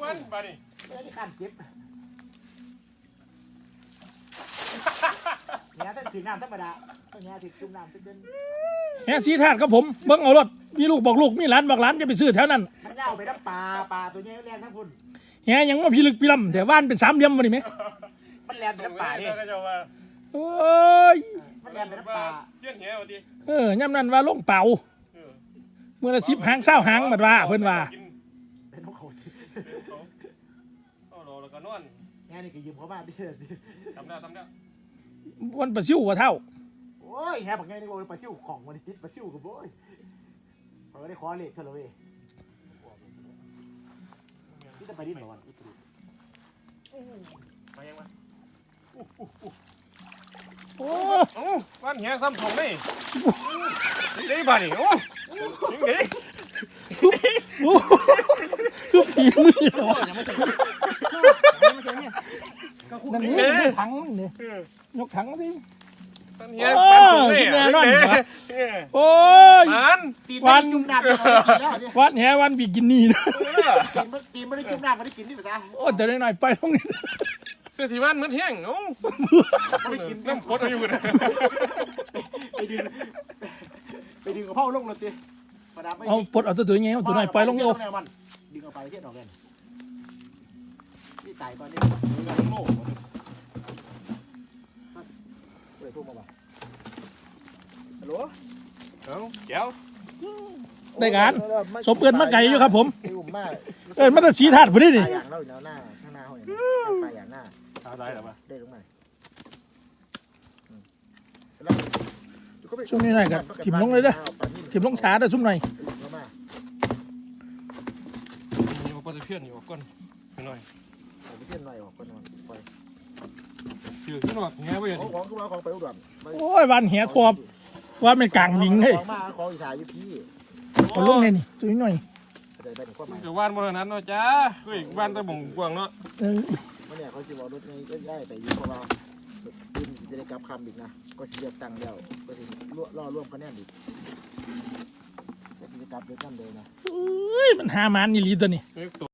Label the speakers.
Speaker 1: มันมาดิ
Speaker 2: ไม่ได้ขั้นเจ็บเนี่ยถ้าถึงน้ำธรรมดาเนี่ยถึงจุ่มน้ำเดิน
Speaker 3: แฮสีธาตุครับผมเบิ่งเอารถมีลูกบอกลูกมีหลานบอกหลานจะไปซื้อแถวนั้น
Speaker 2: มันเน่าไปทั้งปลาตัวนี้แรงทั้งคุณ
Speaker 3: แฮยังว่าพิลึกพิลำแต่ว่านเป็นสามเหลี่ยมมาดิไหม
Speaker 2: มันแรงไปทั้งปลาดิ
Speaker 1: ก็จะว่า
Speaker 3: โอ้ย
Speaker 2: มันแรงไปทั้งปลา
Speaker 1: เจี๊ยนเหี้ยวดิ
Speaker 3: ย่ำนั้นว่าลงเป่าเมื่อละ10 หาง20 หางบัดว่าเพิ่นว่า
Speaker 2: เป็นของเขา
Speaker 1: โอ้โหแล้วก็นอน
Speaker 2: เนี่ยนี่คือยืมเขามาดิ
Speaker 1: ทำได้
Speaker 3: วันประซิวว่าเท่า
Speaker 2: โอ้ยแฮบอกไงนี่โอ้ยปลาซิวของมันติดปลาซิวกับโอ้ยเขาได้คอเล็กเท่าไหร่ที่จะไปดิ้นหรอวันอีกที
Speaker 1: มายังมา
Speaker 3: โอ้
Speaker 1: วันเหี้ยทำของนี่ได้ป่ะนี่โอ้ยิงดิ
Speaker 3: โหคือฝีมือเหรอ
Speaker 2: ยังไม่ใช่เนี่ยก็คู่
Speaker 3: นั่น
Speaker 2: นี้
Speaker 3: นี่ถังมันนี่ยกถังสิ
Speaker 1: เหี้ยมันของนี่
Speaker 3: โอ้ย
Speaker 1: มัน
Speaker 2: ตีนไม่ได้จุ่มน้ำแล้วเนี่ย
Speaker 3: วันแฮวันบิกินี่นะ
Speaker 2: ตีนไม่ได้จุ่มน้ำไม่ได้กินนี่ภาษา
Speaker 3: โอ้แต่ได้หน่อยไปตรงนี้
Speaker 1: เสื้อสีมันเหมือนเที่ยงโอ้
Speaker 2: ไม่กิน
Speaker 1: น้ำพดเอาอยู่นะ
Speaker 2: ไปดึงกระเพราลงเลยตี
Speaker 3: เอาปลดเอาตัวไงเอาตัวหน่อยไปลงโย
Speaker 2: ดึงเอาไปเทียนออกเลยนี่ตายตอนนี้โง่เลยทุ่มมาบ่ฮัลโหล
Speaker 1: เอาแก้ว
Speaker 3: ได้การสมเกินมาไก่อยู่ครับผม
Speaker 2: อุ่มมาก
Speaker 3: มันจะสีธาตุพอดี
Speaker 2: ป
Speaker 3: นี่
Speaker 2: ลาอย่างเราอยู่หน้าข้างหน้าเขาเนี่ยปลาอย่างหน้า
Speaker 1: เอาได้หรอปะ
Speaker 2: ได้ลงมา
Speaker 3: ช่วงนี้หน่อยกับถิ่มลงเลยเด้อถิ่มลงช้าเด้อซุ่มหน่อย
Speaker 1: มีปลาตะเพียนอยู่ก้นหน่อย
Speaker 2: ผมเทียนหน่อยออกก่อนนอนปล่อย
Speaker 1: ถือขึ้นหนวดแง่ไปอย่าง
Speaker 2: ของ
Speaker 1: นี้
Speaker 2: ของคือว่าของไปอุดร
Speaker 3: โอ้ยวันแหทวบว่าเป็นกลางหวิงเฮ้ย
Speaker 2: ของมาของอีถ่ายอยู่พี่
Speaker 3: เอาลงเลยนี่ตัวนี้หน่อย
Speaker 2: เดี๋ยวไปถึงข้อหมาย
Speaker 1: เดี๋ยววานบนนั้นเนาะจ้าเฮ้ยบ้านตะบ่งกวางเนาะ
Speaker 2: วันนี้เขาจะบอกรถไงก็ได้ไปอยู่เพราะว่าดินจะได้กลับคำอีกนะก็จะเลือกตั้งแล้วก็จะล่อร่วมคะแนนอีกก็จะกลับด้วยกันเลยนะ
Speaker 3: มันหามันนี่ลีตัวนี้
Speaker 1: เฮ้ยตัว